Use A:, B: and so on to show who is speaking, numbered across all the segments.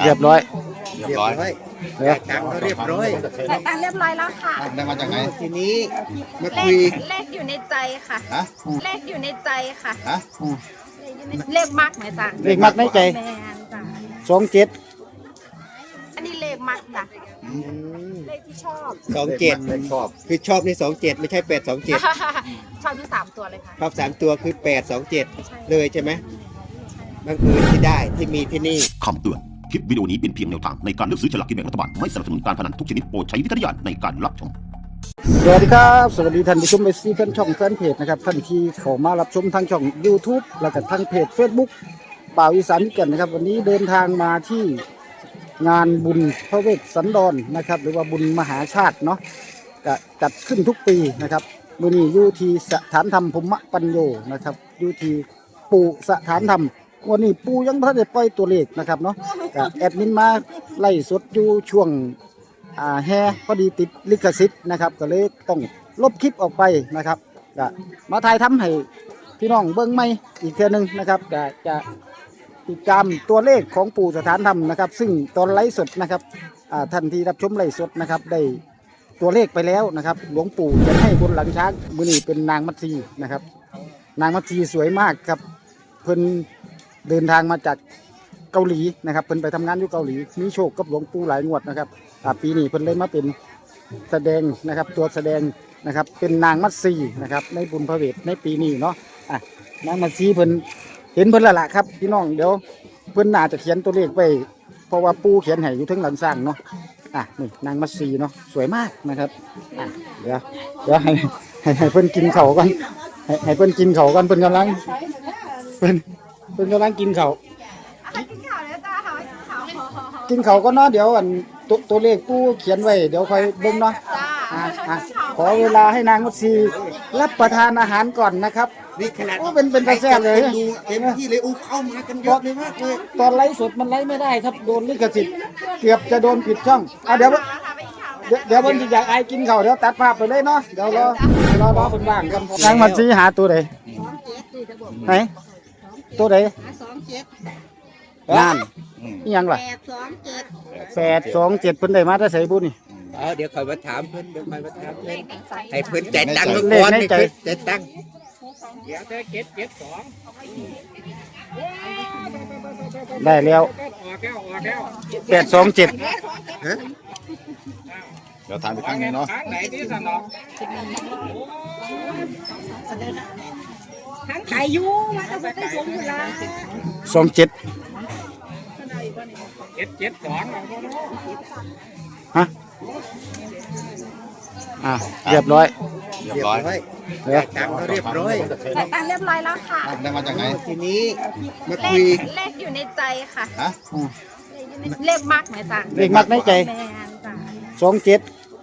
A: เรียบร้อย
B: เรียบร้อยจ่ายตังค์ก็เรียบร้อย
C: จ่ายตังค์เรียบร้อยแล้วค่ะ
B: ได้มาจากไหนทีนี้มา
C: เล
B: คุย
C: ขเลขอยู่ในใจค่ะ
B: ฮะ
C: เลขอยู่ในใจค่ะ
B: ฮะ
C: เลขมักไหมจ๊ะ
A: เลขมักในใจ
C: แมนจ้ะ
A: 27
C: อันนี้เลขมักจ้ะเลขที่ชอบ
B: 27ชอบคือชอบใน27ไม่ใช่827
C: ชอบทั้ง3ตัวเลยค่ะ
B: ชอบ3ตัวคือ827เลยใช่ไหมบังเอิญที่ได้ที่มีที่นี่
D: คำเตือน คลิปวิดีโอนี้เป็นเพียงแนวทางในการเลือกซื้อฉลากกินแบ่งรัฐบาล ไม่สนับสนุนการพนันทุกชนิดโปรดใช้วิจารณญาณในการรับชม
A: สวัสดีครับสวัสดีท่านผู้ชมในแฟนช่องแฟนเพจนะครับท่านที่เข้ามารับชมทางช่อง YouTube แล้วก็ทางเพจ Facebook บ่าวอีสานมิตรกันนะครับวันนี้เดินทางมาที่งานบุญพระเวสสันดรนะครับหรือว่าบุญมหาชาติเนาะก็จัดขึ้นทุกปีนะครับมื้อนี้อยู่ที่สถานธรรมภูมิปัญโยนะครับอยู่ที่ปู่สถานธรรมวันนี้ปู่ยังบ่ทันได้ปล่อยตัวเลขนะครับเนาะก็แอดมินมาไล่สดอยู่ช่วงแฮพอดีติดลิขสิทธิ์นะครับก็เลยต้องลบคลิปออกไปนะครับก็มาถ่ายทำให้พี่น้องเบิ่งใหม่อีกเทื่อนึงนะครับก็จะติดตามตัวเลขของปู่สถานธรรมนะครับซึ่งตอนไลฟ์สดนะครับท่านที่รับชมไลฟ์สดนะครับได้ตัวเลขไปแล้วนะครับหลวงปู่จะให้บนหลังช้างมื้อนี้เป็นนางมัตสีนะครับนางมัตสีสวยมากครับเพิ่นเดินทางมาจากเกาหลีนะครับเพิ่นไปทำงานอยู่เกาหลีมีโชคกับหลวงปู่หลายงวดนะครับปีนี้เพิ่นเลยมาเป็นแสดงนะครับตัวแสดงนะครับเป็นนางมัตสีนะครับในบุญพระเวทในปีนี้เนาะนางมัตสีเพิ่นเห็นเพิ่นและล่ะครับพี่น้องเดี๋ยวเพิ่นน่าจะเขียนตัวเลขไว้เพราะว่าปู่เขียนให้อยู่ถึงหลังสร้างเนาะนี่นางมัตสีเนาะสวยมากนะครับเดี๋ยวให้เพิ่นกินข้าวก่อนให้เพิ่นกินข้าวก่อนเพิ่นกำลังเพิ่นกำลังกินข้าว
C: กินข่าวแล้วจ้าค่ะกินข่าว
A: กินเขาวก็เนาะเดี๋ยวตัวเลขปู่เขียนไว้เดี๋ยวค่อยเบิ่งเนาะ
C: จ้า
A: ขอเวลาให้นางมัตสีรับประทานอาหารก่อนนะครับ
B: นี่ขนาด
A: โอ้เป็นตาแซ่บเลย
B: เต็มที่เลยเข้ามากันเยอะเลยมากเลย
A: ตอนไลฟ์สดมันไลฟ์ไม่ได้ครับโดนลิขสิทธิ์เกือบจะโดนปิดช่องเดี๋ยวเพิ่นสิอยากอายกินเขาวเดี๋ยวตัดภาพไปเลยเนาะเดี๋ยวรอคนว่างกันนางมัตสีหาตัวใดไหนตัวใดนั่นนี่ยังล่ะ827เพิ่นได้มาแต่ไสบุนี่
B: เดี๋ยวคอยมาถามเพิ่นให้เพิ่นใจายตังค์
A: เลขในใจ
B: ใจายตังค์
A: ได้แล้ว827
E: เดี๋ยวทานไปครั้งนึงเนาะ
C: ทั้งขายยูมาต้องไปสมอยู่ละ
A: 27ฮะเรียบร้อย
E: เรียบร้อย
B: จ่ายตังค์ก็เรียบร้อย
C: จ่ายตังค์เรียบร้อยแล้วค่ะ
E: ได้มาจากไหน
B: ทีนี้มา
C: เล
B: คุย
C: ขเลขอยู่ในใจค่ะ
E: ฮะ
C: เลขมักไหมจ๊ะ
A: เลขมักในใจ
C: แมนจ้ะ
A: 27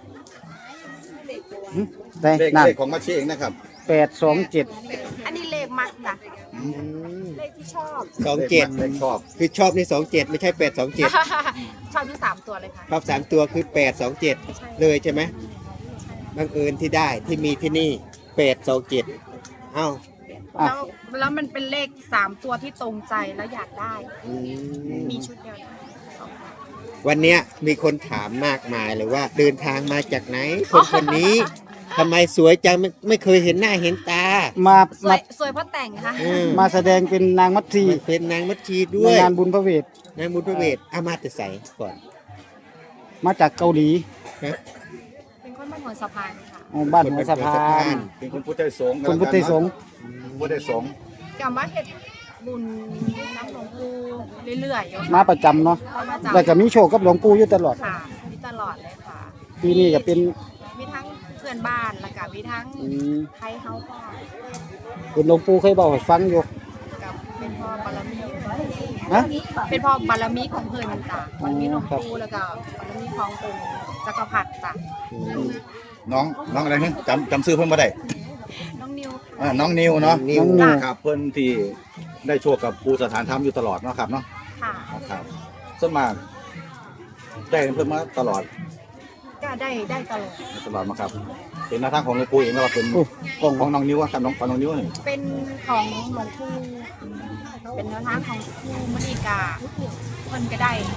A: ได้
E: เลข
A: นั่น
E: เลขของมาเชเองนะครับ
A: 827
C: อันนี้เลขมักจ้ะเลขที่ชอบ
E: เลขชอบ
B: คือชอบใน27ไม่ใช่827
C: ชอบทั้ง3ตัวเลยค่ะ
B: ชอบ3ตัวคือ827เลยใช่ไหมบังเอิญที่ได้ที่มีที่นี่827เอ้า
C: แล้วมันเป็นเลข3ตัวที่ตรงใจแล้วอยากได้ มีชุดเดียวนะ
B: วันเนี้ยมีคนถามมากมายเลยว่าเดินทางมาจากไหนคนนี้ทำไมสวยจังไม่เคยเห็นหน้าเห็นตา
A: มา
C: สวยเพราะแต่งค่ะ
A: มาแสดงเป็นนางมัตสี
B: เป็นนางมัชชีด้
A: ใน
B: วย
A: งานบุญพระเวท
B: นางมุทเวศอามาแต่ใสก่อน
A: มาจากเกาหลี
C: เป็นคนบ้านหัวสะพานค่ะ
A: บ้านหัวสะพาน
E: เป็นคุณพุทธสงฆ์
A: คุณพุทธสงฆ์
E: พุทธสงฆ์
C: กำว่าเฮ็ดบุญน้ำหลวงปู่เรื่อยๆอยู่
A: มาประจำเนาะ
C: เอามาจาก
A: แล้วก็มีโชคกับหลวงปู่อยู่ตลอด
C: ค่ะมีตลอดเลยค่ะ
A: ปีนี้ก็เป็น
C: มีทั้งเพื่อนบ้านแล้วก็มีทั้งไทยเฮาก็
A: เป็นหลวงปู่เคยบอกให้ฟังอยู่
C: กับเป็นพ่อบารมี
A: ฮะ
C: เป็นพ่อบารมีของเพิ่นจ้ะบารมีหลวงปู่แล้วก็บารมีขององค์จักรพรรดิจ้ะ
E: น้องอะไรเนี่ยจำชื่อเพิ่นมาได้
C: น้องนิว
E: น้องนิวเนาะ
B: นิว
A: น้องนิว
E: ครับเพิ่นที่ได้โชคกับครูสถานธรรมอยู่ตลอดเนาะครับเนาะ
C: ค่ะ
E: ครับส่วนมากได้เพิ่นมาตลอด
C: ก็ได้ตลอด
E: มาครับเป็นหน้าทางของหลวงปู่เองแล้วก็เป็น
A: โอ้กล้อง
E: ของน้องนิวครับของน้องนิวนี่
C: เป็นของหลวงปู่เป็นแนวทางของครูมณีกาเพิ่นก็ได้ห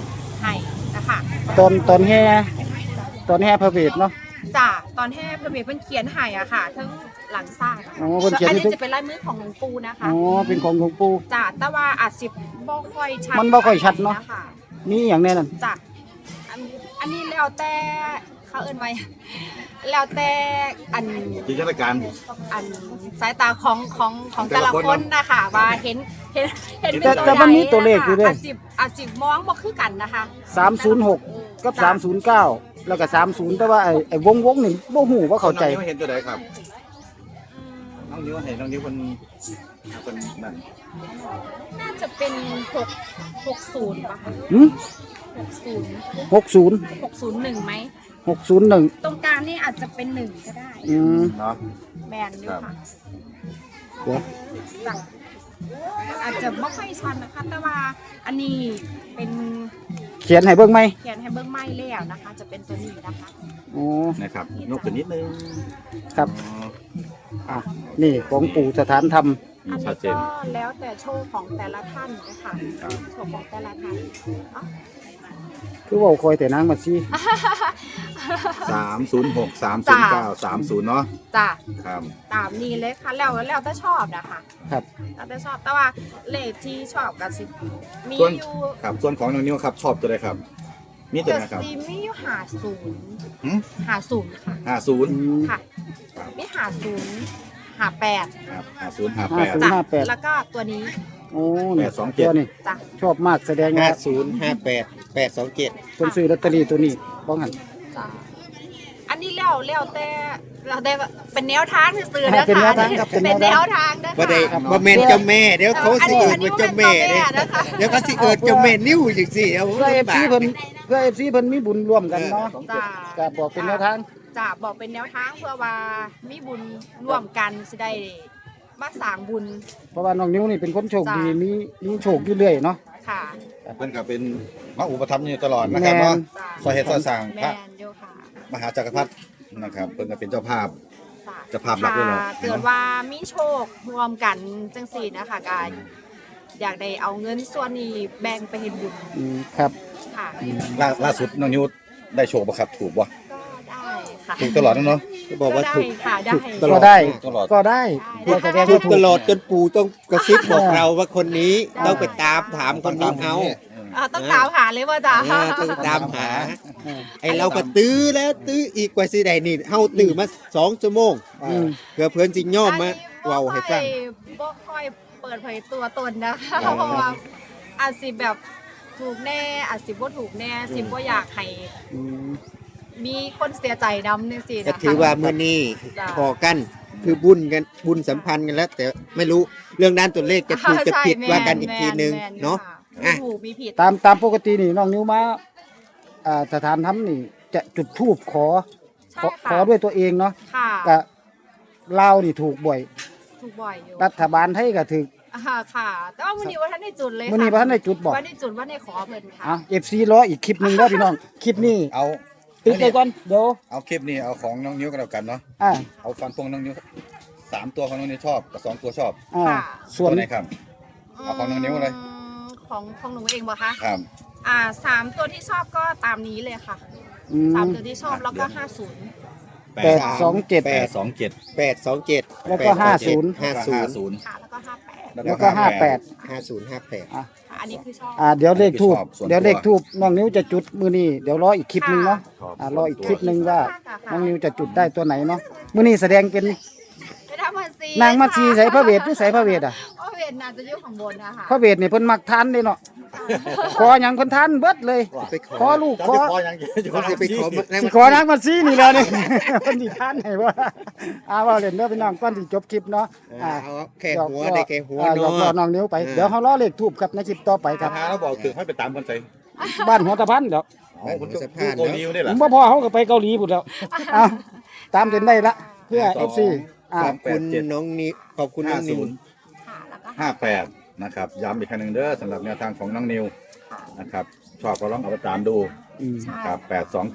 C: ให้นะคะ
A: ตอนแห่พระเวทเนาะ
C: จ้ะตอนแห่พระเวทเพิ่นเขียนให้อะค่ะทั้งหลังสร้าง
A: อ๋อเพิ่นเขียน
C: อัน
A: ให้
C: นี้จะเป็นลายมือของหลวงปู่นะคะ
A: อ๋อเป็นของหลวงปู่
C: จ้ะแต่ว่าอาจสิบ่ค่อยชัด
A: มันบ่ค่อยชัดเนาะ
C: ค่
A: มีอย่างแน่นั่น
C: จ้ะอันนี้แล้วแต่เขาเอิ้นไว้แล้วแต่อัน
E: จินตนาการ
C: สายตาของแต่ละคนนะคะว่าเห็นเป็น
A: แต่มันมีตัวเลขอยู่เด้
C: อาจสิมองบ่คือกันนะคะ
A: 306กับ309แล้วก็30แต่ว่าไอ้วงนี่บ่ฮู้ว่าเข้าใจ
E: น้องนิ้วเห็นตัวใดครับน้องนิ้วเห็นน้องนิ้วคนนั่น
C: น่าจะเป็น660ป่ะคะ
A: หืม
C: 60
A: 60
C: 601ไหม
A: 601
C: ตรงกลางนี่อาจจะเป็น1ก็ได้
E: เนาะ
C: แบนอยู่ค่ะ
A: เดี๋ยว
C: จ้ะอาจจะไม่ค่อยชัดนะคะ แต่ว่าอันนี้เป็น
A: เขียนให้เบิ่งไหม
C: เขียนให้เบิ้งไม้แล้วนะคะ จะเป็นตัวนี้นะคะ
A: อ๋อ
E: นะครับนกตัวนิดนึง
A: ครับ
E: อ๋อ
A: อ่ะนี่ของปู่สถานธรรม
C: อัน
E: ชั
C: นี้
E: ดเจน
C: ก็แล้วแต่โชคของแต่ละท่านนะคะโชคของแต่ละท่านอ๋อ
A: คือเว่าคอยแต่นางมาซี่
E: 306 309 30เนาะ
C: จ้ะ
E: ครับ
C: ตามนี้เลยค่ะแล้วแต่ชอบนะคะ
A: ครับ
C: แล้วแต่ชอบแต่ว่าเลขที่ชอบกับสิมี
E: ส่วน
C: อยู่
E: ครับส่วนของน้องนิ้วครับชอบตัวใดครับ มีตัว
C: จะ
E: ไหนครับ
C: ซีมีอยู่
E: หืม
C: 50ค่ะ
E: 50
C: ค่ะมี50 58
E: ครับ50
A: 50
E: 58
C: จ้ะ
A: 58
C: แล้วก็ตัวนี้
A: โอ้นี่
E: 827
A: ตัวนี้
C: จ้ะ
A: ชอบมากแสดงว่า
B: 5058
A: คนซื้อลอตเตอรี่ตัวนี้บ้องหัน
C: จ้ะอันนี้แล้วแต่เป็นแนวทางซื่อๆ
A: ให้
C: นะ
A: เป็น
C: คะ
A: แนวทางครับเป็น
C: เป็น
A: แน
C: แน
A: ว
C: ว
A: ทาง
C: ทางนะ
B: บ่ได้
C: คะ
B: บ่แม่นเจ้าแม่เดี๋ยวเขาสิเอิ้น
C: อันนี้
B: ว่าเจ้าแม่
C: อันนี้
B: เด้
C: บ่แม่นเจ้าแม่นะคะ
B: เดี๋ยวเขาสิเอิ้นเจ้าแม่นิ้วจังซี่เอา
A: เพื่อ FC เพิ่นเพื่อ FC เพิ่นมีบุญร่วมกันเนาะ
C: จ้ะ
A: ก็บอกเป็นแนวทาง
C: จะบอกเป็นแนวทางเพื่อว่ามีบุญร่วมกันสิได้มาสร้างบุญ
A: เพราะว่าน้องนิ้วนี่เป็นคนโชคดี
C: จ้ะ
A: มีโชคอยู่เรื่อยเนาะ
C: ค่ะ
E: เพิ่นก็เป็นมาอุปถัมภ์อยู่ตลอดนะครับเนาะ
C: จ้ะ
E: ซอยเฮ็ดซอยสร้าง
C: แม
E: พระ
C: นโยค่ะ
E: มหาจักรพรรดินะครับเพิ่นก็เป็นเจ้าภาพ
C: จ้ะ
E: เจ้าภาพหลักด้วยเหรอ
C: ถ้าเกิดว่ามีโชครวมกันจังสี่นะคะกายอยากได้เอาเงินส่วนนี้แบ่งไปเฮ็ดบุญ
A: ครับ
C: ค่ะ
E: ล่าสุดน้องนิ้วได้โชคบ่ครับถูกบ่
C: ก็ได้ค่ะ
E: ถูกตลอดเนาะ
B: บอกว่าถูก
C: ได้ค่ะได้
B: ตลอ
A: ก็
B: ด
A: ได้
E: ตลอด
A: ก็ได้
C: ได้
A: ก็แสดง
B: ถู
A: ว่าก ถู
B: ต
A: ก
B: ลอดจนปู่ต้องกระซิบบอกเราว่าคนนี้ต้องไปตามถามคนนี้เอา
C: ต้องตามหาเลยว่าจ้ะ
B: ต้องตามหา ไอเราก็ตื้อแล้วตื้ออีกกว่าสิได้นี่เฮาตื้อมา2 ชั่วโมง
A: อืม
B: เพื่อเพื่อนสิย่อมมาเว้าให้ฟัง
C: บ่ค่อยเปิดเผยตัวตนนะคะเพราะว่าอาจสิแบบถูกแน่อาจสิบ่ถูกแน่สิบ่อยากให้
A: อืม
C: มีคนเสียใจนำจังซี่
B: ก็
C: นะคะ
B: ถือว่ามื้อนี้
C: จ้ะ
B: พอกันคือบุญกันบุญสัมพันธ์กันแล้ว แต่ไม่รู้เรื่องด้านตัวเลขจะถูกจะผิดว่ากันอีกทีนึงเนาะ
C: มีถูกมีผิด
A: ตามปกตินี่น้องนิ้วมาสถานธรรมนี่จะจุดธูปขอ
C: ใช่
A: ข
C: ค่ะ
A: อด้วยตัวเองเนาะ
C: ค่ะ
A: ก็ลาวนี่ถูกบ่อย
C: ถูกบ่อยอยู่
A: รัฐบาลไทยก็ถูก
C: ค่ะ แต่ว่ามื้อนี้ว่าท่านได้จุดเลย
A: มื้อนี้บ่ทันได้จุดบ่
C: ว่าได้จุดว่าได้ขอเพิ่นค่ะ
A: อ่ะ FC รออีกคลิปหนึงเด้อพี่น้องคลิปนี้
E: เอา
A: ติดไปก่อนเดี๋ยว
E: เอาคลิปนี้เอาของน้องนิ้วกันแล้วกันเนาะ
A: อ่า
E: เอาฟันพงน้องนิ้ว3 ตัวของน้องนิ้วชอบกับ2 ตัวชอบ
C: ค่ะ
A: ส่วน
E: ตัวไหนครับ เอาของน้องนิ้วเลย
C: ของหนูเองบ่คะ
E: ครับ
C: 3ตัวที่ชอบก็ตามนี้เลยค่ะ
A: อืม
C: 3ตัวที่ชอบแล้วก็50
A: 827
E: 827
B: 827
A: แล้วก็50
B: 50
C: ค่ะแล้วก็58
A: แล้วก็58
B: 5058
A: อ่ะ
C: ค่ะอันนี้คือชอบ
A: เดี๋ยวเลขทูบ
E: ชอบส่วนตัว
A: เดี๋ยวเลขทูบน้องนิ้วจะจุดมื้อนี้เดี๋ยวรออีกคลิปหนึงเนาะรออีกคลิปหนึงว่าน้องนิ้วจะจุดได้ตัวไหนเนาะมื้อนี้แสดงเป็น
C: ไปทำมันซี
A: นางมัดซีใส่พระเวทหรือใส่พระเวทอ่ะ
C: พระเวทน่าจะอยู่ข้างบนนะคะ
A: พระเวทนี่เพิ่นมักทานเด้เนาะขอหยังเพิ่นทานเบิดเลย
B: ไปข
A: ข
B: อ
A: อลูกขอ
E: ขอยังจะ
B: เขาจะไปขอมา
A: สิขอนางมัดซีนี่แล้วนี่ เพิ่นสิทานให้บ่ว่าเล่นเด้อพี่น้องก่อนสิจบคลิปเนาะ
B: เอาแค่หัวได้แค่หัว
A: หยอก
B: เนาะ
A: น้องนิ้วไปเดี๋ยวเฮารอเลขทูบครับในคลิปต่อไปครับ
E: หาแล้วบอกถึงให้ไปตามกันใจ
A: บ้านหัวตะพันเดี๋ยว
E: คุณจะพูดโกนิวได้
A: ผ
E: เหรอ
A: มบ่พอเขาก็ไปเกาหลีพุ่นแล้วเอาตามจนได้ละเพื่อ FC
B: ขอบคุณน้องนิวขอบคุณน้องนิว
C: ค่ะแล้วก็
E: 58นะครับย้ำอีกครั้งหนึ่งเด้อสำหรับแนวทางของน้องนิว
C: ค่ะ
E: นะครับชอบก็ลองเอาไปตามดู
A: อืม
C: ใช่
E: ครับ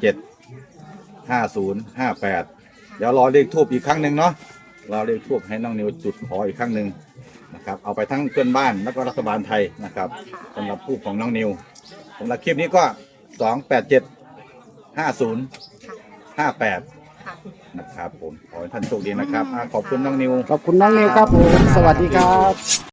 E: 827 5058เดี๋ยวรอเลขทูบอีกครั้งหนึ่งเนาะรอเลขทูบให้น้องนิวจุดขออีกครั้งหนึ่งนะครับเอาไปทั้งเพื่อนบ้านแล้วก็รัฐบาลไทยนะครับสำหรับทูบของน้องนิวสำหรับคลิปนี้ก็ 2875058
C: ค่ะ
E: นะครับผมขอให้ท่านโชคดีนะครับขอบคุณน้องนิว
A: ขอบคุณน้องนิวครับผม สวัสดีครับ